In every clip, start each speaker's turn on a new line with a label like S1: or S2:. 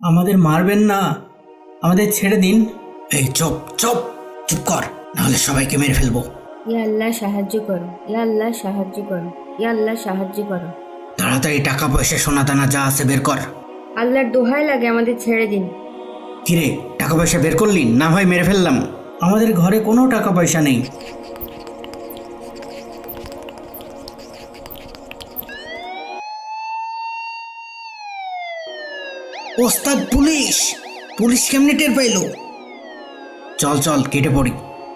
S1: আমাদের মারবেন না, আমাদের ছেড়ে দিন। এই চুপ চুপ চুপ কর, নাহলে সবাইকে মেরে ফেলবো।
S2: ইয়া আল্লাহ সাহায্য করো, ইয়া আল্লাহ সাহায্য করো, ইয়া আল্লাহ সাহায্য করো।
S1: তাড়াতাড়ি টাকা পয়সা সোনা দানা যা আছে বের কর।
S2: আল্লাহর দোহাই লাগে আমাদের ছেড়ে দিন।
S1: কিরে, টাকা পয়সা বের করলি না? ভাই মেরে ফেললাম। আমাদের ঘরে কোনো টাকা পয়সা নেই। ওস্তাদ, পুলিশ! পুলিশ কেমনে টের পাইলো? চল চল কেটে পড়ি।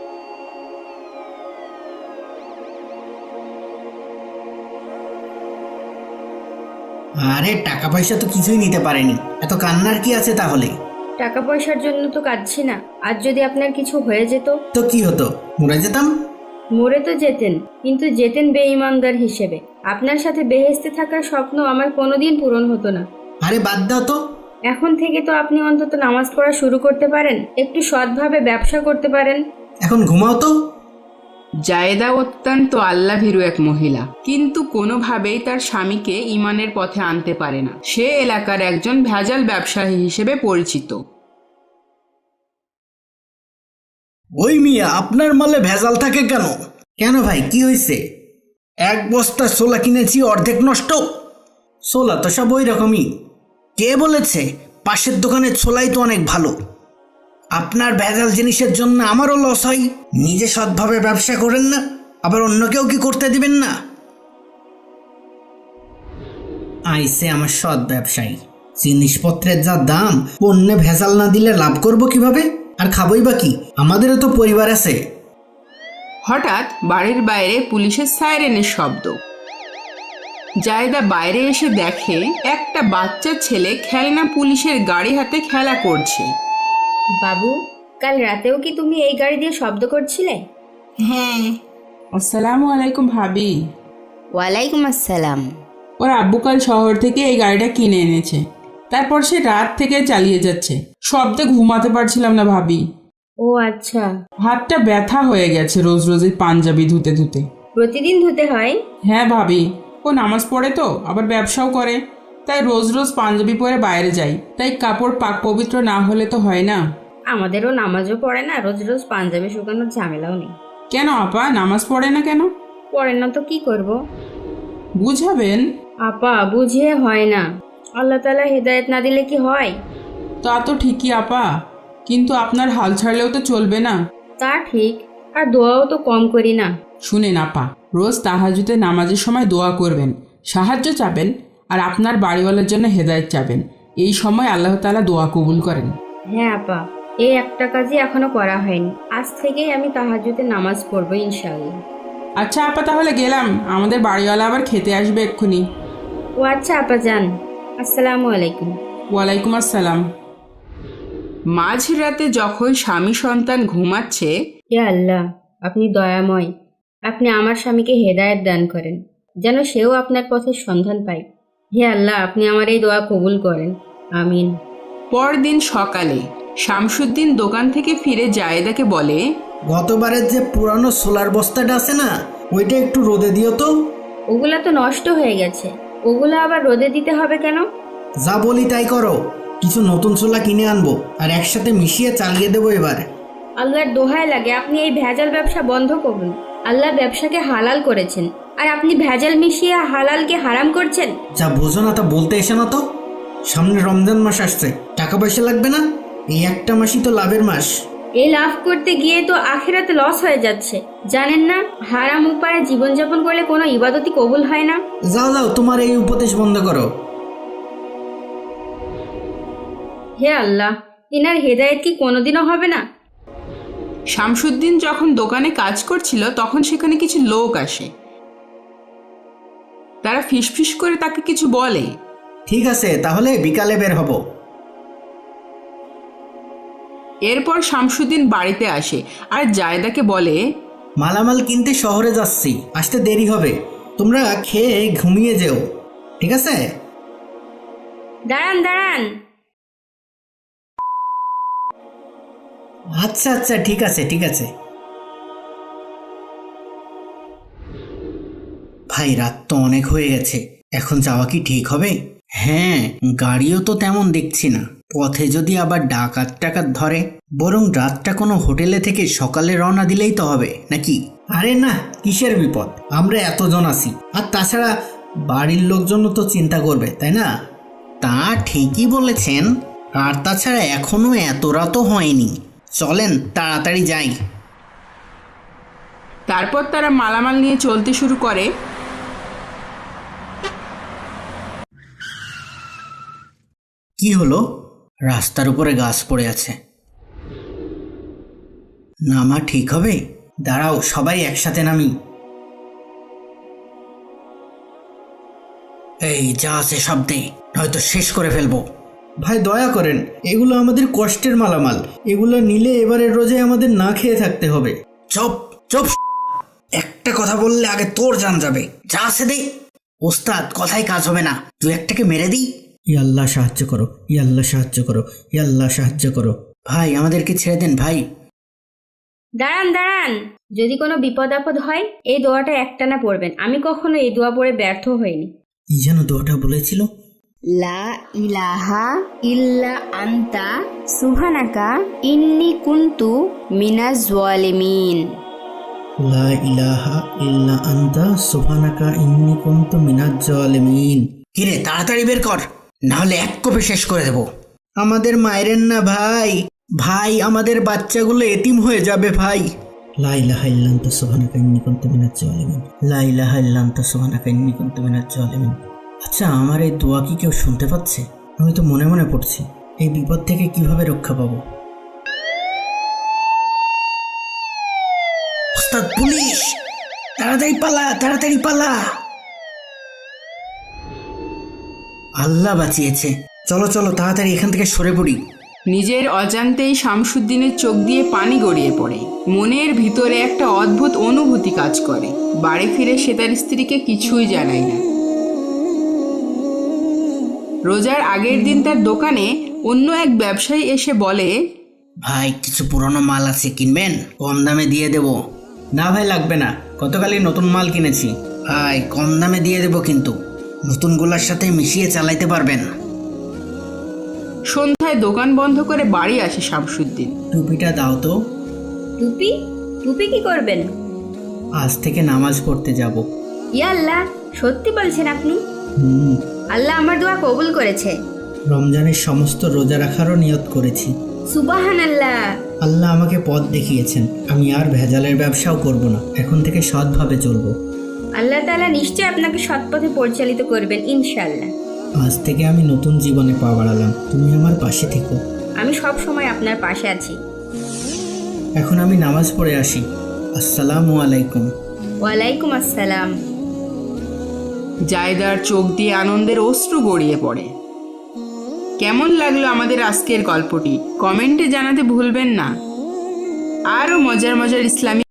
S1: আরে টাকা পয়সা তো কিছুই নিতে পারেনি, এত কান্নার কি আছে তাহলে?
S2: টাকা পয়সার জন্য তো কাঁদছি না, আর যদি আপনার কিছু হয়ে যেত?
S1: তো কি হতো, মরে যেতাম।
S2: মরে তো যেতেন, কিন্তু যেতেন বেঈমানদার হিসেবে। আপনার সাথে বেহেশতে থাকার স্বপ্ন আমার কোনোদিন পূরণ হতো না।
S1: আরে বাদ দাও তো।
S2: এখন থেকে তো আপনি অন্তত নামাজ পড়া শুরু করতে পারেন, একটু সৎভাবে ব্যবসা করতে পারেন।
S1: এখন ঘুমাও তো।
S3: জায়েদা অত্যন্ত আল্লাভীরু এক মহিলা, কিন্তু কোনোভাবেই তার স্বামীকে ঈমানের পথে আনতে পারে না। সে এলাকার একজন ভেজাল ব্যবসায়ী হিসেবে পরিচিত।
S1: ওই মিয়া, আপনার মালে ভেজাল থাকে কেন? কেন ভাই, কি হয়েছে? এক বস্তা ছোলা কিনেছি, অর্ধেক নষ্ট। ছোলা তো সব ওই রকমই। কে বলেছে? পাশের দোকানের ছোলাই তো অনেক ভালো। আপনার ভেজাল জিনিসের জন্য আমারও লস হয়। নিজে সৎভাবে ব্যবসা করেন না, আবার অন্যকেও কি করতে দিবেন না? আইসে আমার সৎ ব্যবসায়ী। জিনিসপত্রের যা দাম, পণ্যে ভেজাল না দিলে লাভ করব কিভাবে? আর খাবই বা কি? আমাদেরও তো পরিবার আছে।
S3: হঠাৎ বাড়ির বাইরে পুলিশের সাইরেনের শব্দ। জায়েদা বাইরে এসে দেখে একটা বাচ্চা ছেলে খেলনা পুলিশের গাড়ি হাতে খেলা করছে।
S2: বাবু, কাল রাতেও কি তুমি এই গাড়ি দিয়ে শব্দ করছিলে?
S3: হ্যাঁ। আসসালামু আলাইকুম ভাবি।
S2: ওয়ালাইকুম আসসালাম।
S4: ওর আব্বু কাল শহর থেকে এই গাড়িটা কিনে এনেছে, তারপর সে রাত থেকে চালিয়ে যাচ্ছে। শব্দে ঘুমাতে পারছিলাম না ভাবি।
S2: ও আচ্ছা।
S4: হাতটা ব্যথা হয়ে গেছে রোজ রোজ এই পাঞ্জাবি ধুতে ধুতে।
S2: প্রতিদিন ধুতে হয়?
S4: হ্যাঁ ভাবি, ও নামাজ পড়ে তো, আবার ব্যবসাও করে, তাই রোজ রোজ পাঞ্জাবি পরে বাইরে যাই, তাই কাপড় পাক পবিত্র না হলে তো হয় না।
S2: আমাদেরও নামাজও পড়ে না, রোজ রোজ পাঞ্জাবি শুকানোর ঝামেলাও নেই।
S4: কেন আপা, নামাজ পড়ে না কেন?
S2: পড়েন না তো কি করব?
S4: বুঝাবেন।
S2: আপা, বুঝিয়ে হয় না। আল্লাহ তাআলা হেদায়েত না দিলে কি হয়?
S4: তা তো ঠিকই আপা, কিন্তু আপনার হাল ছাড়লেও তো চলবে না।
S2: তা ঠিক, আর দোয়াও তো কম করি না।
S4: শুনেন আপা, রোজ তাহাজ্জুদে নামাজের সময় দোয়া করবেন, সাহায্য চাবেন, আর আপনার বাড়িওয়ালার জন্য হেদায়েত চাবেন। এই সময় আল্লাহ তাআলা দোয়া কবুল করেন।
S2: হ্যাঁ আপা, এই একটা কাজই এখনো করা হয়নি। আজ থেকেই আমি তাহাজ্জুদে নামাজ পড়বো ইনশাআল্লাহ।
S4: আচ্ছা আপা, তাহলে গেলাম, আমাদের বাড়িওয়ালা আবার খেতে আসবে এক্ষুনি।
S2: ও আচ্ছা আপা, যান। আসসালামু আলাইকুম।
S4: ওয়ালাইকুম আসসালাম।
S3: মাঝরাতে যখন স্বামী সন্তান ঘুমাচ্ছে,
S2: হে আল্লাহ, আপনি দয়াময়। আপনি আমার স্বামীকে হেদায়েত দান করেন, যেন সেও আপনার পথের সন্ধান পায়। হে আল্লাহ, আপনি আমার এই দোয়া কবুল করেন। আমিন।
S3: পরদিন সকালে শামসুদ্দিন দোকান থেকে ফিরে জায়েদাকে বলে,
S1: গতবারের যে পুরানো সোলার বস্তাটা আছে না, ওইটা একটু রোদে দিও তো।
S2: ওগুলা তো নষ্ট হয়ে গেছে, ওগুলা আবার রোদে দিতে হবে কেন?
S1: যা বলি তাই করো। কিছু নতুন ছোলা কিনে আনবো, আর একসাথে মিশিয়ে চালিয়ে দেবো এবার।
S2: আল্লাহর দোহাই লাগে, আপনি এই ভেজাল ব্যবসা বন্ধ করুন। আল্লাহ ব্যবসাকে হালাল করেছেন, আর আপনি ভেজাল মিশিয়ে হালালকে হারাম করছেন।
S1: যা বোঝো না তা বলতে এসে না তো। সামনে রমজান মাস আসছে, টাকা পয়সা লাগবে না? এই একটা মাসই তো লাভের মাস।
S2: এই লাভ করতে গিয়ে তো আখিরাতে লস হয়ে যাচ্ছে, জানেন না? হারাম উপায়ে জীবনযাপন করলে কোনো ইবাদতই কবুল হয় না।
S1: যাও যাও, তোমার এই উপদেশ বন্ধ করো।
S2: হে আল্লাহ, ইনার হেদায়েত কি কোনোদিনও হবে না?
S3: শামসুদ্দিন যখন দোকানে কাজ করছিল তখন সেখানে কিছু লোক আসে। তারা ফিসফিস করে তাকে কিছু বলে।
S1: ঠিক আছে, তাহলে বিকালে বের হব।
S3: এরপর শামসুদ্দিন বাড়িতে আসে আর জায়েদাকে বলে,
S1: মালামাল কিনতে শহরে যাচ্ছি, আসতে দেরি হবে। তোমরা খেয়ে ঘুমিয়ে যেও, ঠিক আছে?
S2: দাঁড়ান দাঁড়ান।
S1: আচ্ছা আচ্ছা, ঠিক আছে ঠিক আছে। ভাই, রাত তো অনেক হয়ে গেছে, এখন যাওয়া কি ঠিক হবে? হ্যাঁ, গাড়িও তো তেমন দেখছি না। পথে যদি আবার ডাকাত টাকাত ধরে, বরং রাতটা কোনো হোটেলে থেকে সকালে রওনা দিলেই তো হবে নাকি? আরে না, কিসের বিপদ, আমরা এতজন আছি। আর তাছাড়া বাড়ির লোকজনও তো চিন্তা করবে, তাই না? তা ঠিকই বলেছেন। আর তাছাড়া এখনো এত রাতও হয়নি। চলেন তাড়াতাড়ি যাই।
S3: তারপর তারা মালামাল নিয়ে চলতে শুরু করে।
S1: কি হলো? রাস্তার উপরে গাছ পড়ে আছে। নামা ঠিক হবে? দাঁড়াও, সবাই একসাথে নামি। এই যা আছে সব দে, নয়তো শেষ করে ফেলবো। ভাই দয়া করেন, এগুলো আমাদের কষ্টের মালামাল। এগুলো নিলে এবারের রোজে আমাদের না খেয়ে থাকতে হবে। চুপ চুপ, একটা কথা বললে আগে তোর জান যাবে। যা আছে দে। ওস্তাদ, কথাই কাজ হবে না, তুই একটাকে মেরে দিই। ইয়াল্লাহ সাহায্য করো, ইয়াল্লাহ সাহায্য করো, ইয়াল্লাহ সাহায্য করো। ভাই আমাদেরকে ছেড়ে দেন ভাই।
S2: দাঁড়ান দাঁড়ান, যদি কোনো বিপদ আপদ হয় এই দোয়াটা একটানা পড়বেন। আমি কখনো এই দোয়া পড়ে ব্যর্থ হইনি।
S1: কি যেন দোয়াটা বলেছিল?
S2: লা ইলাহা ইল্লা আনতা সুবহানাকা ইন্নী কুনতু মিনাজ জালিমিন।
S1: লা ইলাহা ইল্লা আনতা সুবহানাকা ইন্নী কুনতু মিনাজ জালিমিন। কিরে, তাড়াতাড়ি বের কর, না হলে এক কোপে শেষ করে দেব। আমাদের মায়েরেন না ভাই, ভাই আমাদের বাচ্চাগুলো এতিম হয়ে যাবে ভাই। লা ইলাহা ইল্লা আনতা সুবহানাকা ইন্নী কুনতু মিনাজ জালিমিন। লা ইলাহা ইল্লা আনতা সুবহানাকা ইন্নী কুনতু মিনাজ জালিমিন। আচ্ছা, আমার এই দোয়া কি কেউ শুনতে পাচ্ছে? আমি তো মনে মনে পড়ছি। এই বিপদ থেকে কিভাবে রক্ষা পাবো? ওস্তাদ, পুলিশ! তাড়াতাড়ি পালা, তাড়াতাড়ি পালা। আল্লাহ বাঁচিয়েছে। চলো চলো, তাড়াতাড়ি এখান থেকে সরে পড়ি।
S3: নিজের অজান্তেই শামসুদ্দিনের চোখ দিয়ে পানি গড়িয়ে পড়ে। মনের ভিতরে একটা অদ্ভুত অনুভূতি কাজ করে। বাড়ি ফিরে সে তার স্ত্রীকে কিছুই জানায় না। রোজার আগের দিন তার দোকানে অন্য এক ব্যবসায়ী এসে বলে,
S1: ভাই কিছু পুরনো মাল আছে, কিনবেন? কম দামে দিয়ে দেব। না ভাই, লাগবে না, গতকালই নতুন মাল কিনেছি। ভাই কম দামে দিয়ে দেব, কিন্তু নতুনগুলোর সাথে মিশিয়ে চালাইতে পারবেন।
S3: সন্ধ্যায় দোকান বন্ধ করে বাড়ি আসে শামসুদ্দিন।
S1: টুপিটা দাও তো।
S2: টুপি? টুপি কি করবেন?
S1: আজ থেকে নামাজ পড়তে যাব।
S2: ইয়া আল্লাহ, সত্যি বলছেন আপনি?
S1: হুম,
S2: আল্লাহ আমার দোয়া কবুল করেছে।
S1: রমজানের সমস্ত রোজা রাখারও নিয়ত করেছি।
S2: সুবহানাল্লাহ।
S1: আল্লাহ আমাকে পথ দেখিয়েছেন। আমি আর ভেজালের ব্যবসাও করব না, এখন থেকে সৎভাবে চলবো।
S2: আল্লাহ তাআলা নিশ্চয় আপনাকে সৎ পথে পরিচালিত করবেন ইনশাআল্লাহ।
S1: আজ থেকে আমি নতুন জীবনে পা বাড়ালাম। তুমি আমার পাশে থেকো।
S2: আমি সব সময় আপনার পাশে আছি।
S1: এখন আমি নামাজ পড়ে আসি। আসসালামু আলাইকুম।
S2: ওয়ালাইকুম আসসালাম।
S3: জায়দার চোখ দিয়ে আনন্দের অশ্রু গড়িয়ে পড়ে। কেমন লাগলো আমাদের আজকের গল্পটি কমেন্টে জানাতে ভুলবেন না। আরও মজার মজার ইসলামিক